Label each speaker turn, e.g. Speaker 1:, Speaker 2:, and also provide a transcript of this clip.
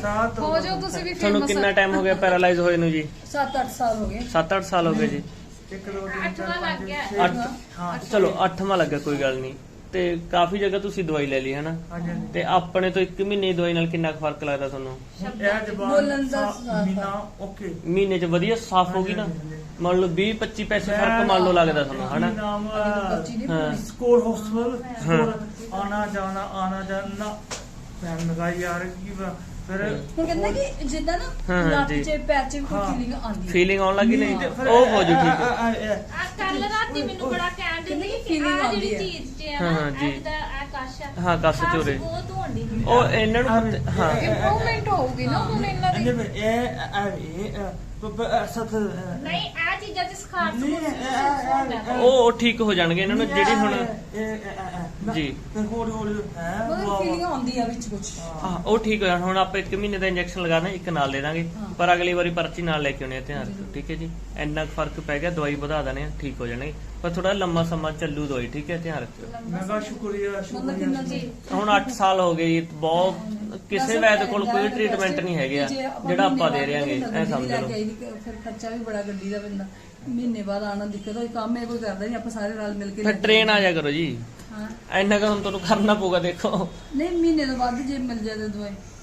Speaker 1: ਹੋ ਜਾਓ ਤੁਸੀਂ ਵੀ
Speaker 2: ਤੁਹਾਨੂੰ
Speaker 1: famous।
Speaker 2: ਕਿੰਨਾ ਟਾਈਮ ਹੋ ਗਿਆ ਪੈਰਾਲਾਈਜ਼ ਹੋਏ ਨੂੰ ਜੀ?
Speaker 3: 7-8 ਸਾਲ ਹੋ ਗਏ।
Speaker 2: 7-8 ਸਾਲ ਹੋ ਗਏ ਜੀ।
Speaker 4: 1 2 3 4
Speaker 1: ਲੱਗ
Speaker 4: 5
Speaker 1: ਗਿਆ।
Speaker 4: 6
Speaker 2: ਹਾਂ ਚਲੋ 8ਵਾਂ ਲੱਗਾ, ਕੋਈ ਗੱਲ ਨਹੀਂ। ਤੇ ਕਾਫੀ ਜਗ੍ਹਾ ਤੁਸੀਂ ਦਵਾਈ ਲੈ ਲਈ ਹੈ ਨਾ,
Speaker 4: ਹਾਂਜੀ
Speaker 2: ਤੇ ਆਪਣੇ ਤੋਂ 1 ਮਹੀਨੇ ਦੀ ਦਵਾਈ ਨਾਲ ਕਿੰਨਾ ਕੁ ਫਰਕ ਲੱਗਦਾ ਤੁਹਾਨੂੰ?
Speaker 4: ਇਹ ਜਵਾਨ
Speaker 3: ਬੋਲਣ ਦਾ
Speaker 4: ਮੀਨਾ ਓਕੇ
Speaker 2: ਮਹੀਨੇ 'ਚ ਵਧੀਆ ਸਾਫ਼ ਹੋ ਗਈ ਨਾ, ਮੰਨ ਲਓ 20-25 ਪੈਸੇ ਫਰਕ ਮੰਨ ਲਓ ਲੱਗਦਾ ਤੁਹਾਨੂੰ ਹਨਾ?
Speaker 4: ਨਾਮ
Speaker 2: ਹਾਂ
Speaker 4: ਸਕੋਰ ਹਸਪਤਾਲ ਸਕੋਰ ਆਣਾ ਜਾਣਾ ਭੈਣ ਲਗਾ ਯਾਰ ਕੀ ਫਿਰ
Speaker 3: ਹੁਣ ਕਹਿੰਦਾ ਕਿ ਜਿੱਦਾਂ ਨਾ
Speaker 2: ਹਾਂ,
Speaker 3: ਲੱਤ
Speaker 2: ਜੀ।
Speaker 3: 'ਚ ਪੈਰ 'ਚ ਵੀ ਕੋਈ
Speaker 4: ਹਾਂ।
Speaker 3: ਫੀਲਿੰਗ ਆਉਂਦੀ ਹੈ।
Speaker 2: ਫੀਲਿੰਗ ਆਉਣ ਲੱਗੀ ਨਹੀਂ
Speaker 4: ਤੇ ਫਿਰ
Speaker 2: ਉਹ ਹੋ ਜੂ ਠੀਕ ਹੈ।
Speaker 1: ਆ ਕੱਲ ਰਾਤੀ ਮੈਨੂੰ ਬੜਾ ਕਹਿਣ ਦਿੰਦੇ ਕਿ
Speaker 3: feeling
Speaker 1: ਆ
Speaker 3: ਆਉਂਦੀ
Speaker 1: ਜਿਹੜੀ
Speaker 3: ਹੈ।
Speaker 1: ਚੀਜ਼ ਹੈ
Speaker 2: ਹਾਂ,
Speaker 1: ਨਾ
Speaker 2: ਹਾਂ, ਜੀ।
Speaker 1: ਐਦਾ ਆ ਕਾਸ਼ਾ
Speaker 2: ਹਾਂ, ਕੱਸ ਚੋਰੇ।
Speaker 1: ਉਹ ਧੋਂਦੀ ਸੀ।
Speaker 2: ਉਹ ਇਹਨਾਂ ਨੂੰ ਹਾਂ
Speaker 1: ਇੰਪਰੂਵਮੈਂਟ ਹੋਊਗੀ ਨਾ ਹੁਣ ਇਹਨਾਂ ਦੀ। ਨਹੀਂ ਆ ਚੀਜ਼ਾਂ ਚ ਸਖਾਰ
Speaker 2: ਉਹ ਠੀਕ ਹੋ ਜਾਣਗੇ ਇਹਨਾਂ ਨੂੰ ਜਿਹੜੀ ਹੁਣ ਜੀ
Speaker 4: ਹੌਲੀ ਹੌਲੀ
Speaker 3: ਮਤਲਬ ਫੀਲਿੰਗ ਆਉਂਦੀ ਆ ਵਿੱਚ ਕੁਝ।
Speaker 2: ਹਾਂ ਉਹ ਠੀਕ ਹੋ ਜਾਣ। ਹੁਣ ਆਪਾਂ 1 ਮਹੀਨੇ ਦਾ ਇੰਜੈਕਸ਼ਨ ਲਗਾਣਾ, 1 ਨਾਲ ਦੇ ਦਾਂਗੇ, ਪਰ ਅਗਲੀ ਵਾਰੀ ਪਰਚੀ ਨਾਲ ਲੈ ਕੇ ਆਉਣੀ ਹੈ, ਧਿਆਨ ਰੱਖਿਓ ਠੀਕ ਹੈ ਜੀ। ਇੰਨਾ ਕੁ ਫਰਕ ਪੈ ਗਿਆ, ਦਵਾਈ ਵਧਾ ਦੇਣੇ ਆ, ਠੀਕ ਹੋ ਜਾਣਗੇ, ਪਰ ਥੋੜਾ ਲੰਮਾ ਸਮਾਂ ਚੱਲੂ ਦਵਾਈ, ਠੀਕ ਹੈ, ਧਿਆਨ ਰੱਖਿਓ।
Speaker 4: ਮਗਾ ਸ਼ੁਕਰੀਆ
Speaker 3: ਮਤਲਬ ਕਿੰਨਾ ਜੀ
Speaker 2: ਹੁਣ 8 ਸਾਲ ਹੋ ਗਏ ਜੀ, ਬਹੁਤ ਕਿਸੇ ਵੈਦ ਕੋਲ ਕੋਈ ਟ੍ਰੀਟਮੈਂਟ ਨਹੀਂ ਹੈਗਾ ਜਿਹੜਾ ਆਪਾਂ ਦੇ ਰਹਾਂਗੇ, ਐ ਸਮਝ ਲਓ।
Speaker 3: ਫਿਰ ਖਰਚਾ ਵੀ ਬੜਾ ਗੱਡੀ ਦਾ ਪੈਂਦਾ, ਮਹੀਨੇ ਬਾਅਦ ਆਣਾ ਦਿੱਕਤ ਹੋਈ, ਕੰਮ ਇਹ ਕੋਈ ਕਰਦਾ ਨਹੀਂ, ਆਪਾਂ ਸਾਰੇ ਰਲ ਮਿਲ ਕੇ
Speaker 2: ਫਿਰ ਟ੍ਰੇਨ ਆ ਜਾ ਕਰੋ ਜੀ,
Speaker 3: ਹਾਂ
Speaker 2: ਇੰਨਾ ਕੁ ਹੁਣ ਤੁਹਾਨੂੰ ਕਰਨਾ ਪਊਗਾ ਦੇਖੋ।
Speaker 3: ਨਹੀਂ ਮਹੀਨੇ ਤੋਂ ਬਾਅਦ ਜੇ ਮਿਲ ਜਾਏ ਤਾਂ ਦਵਾਈ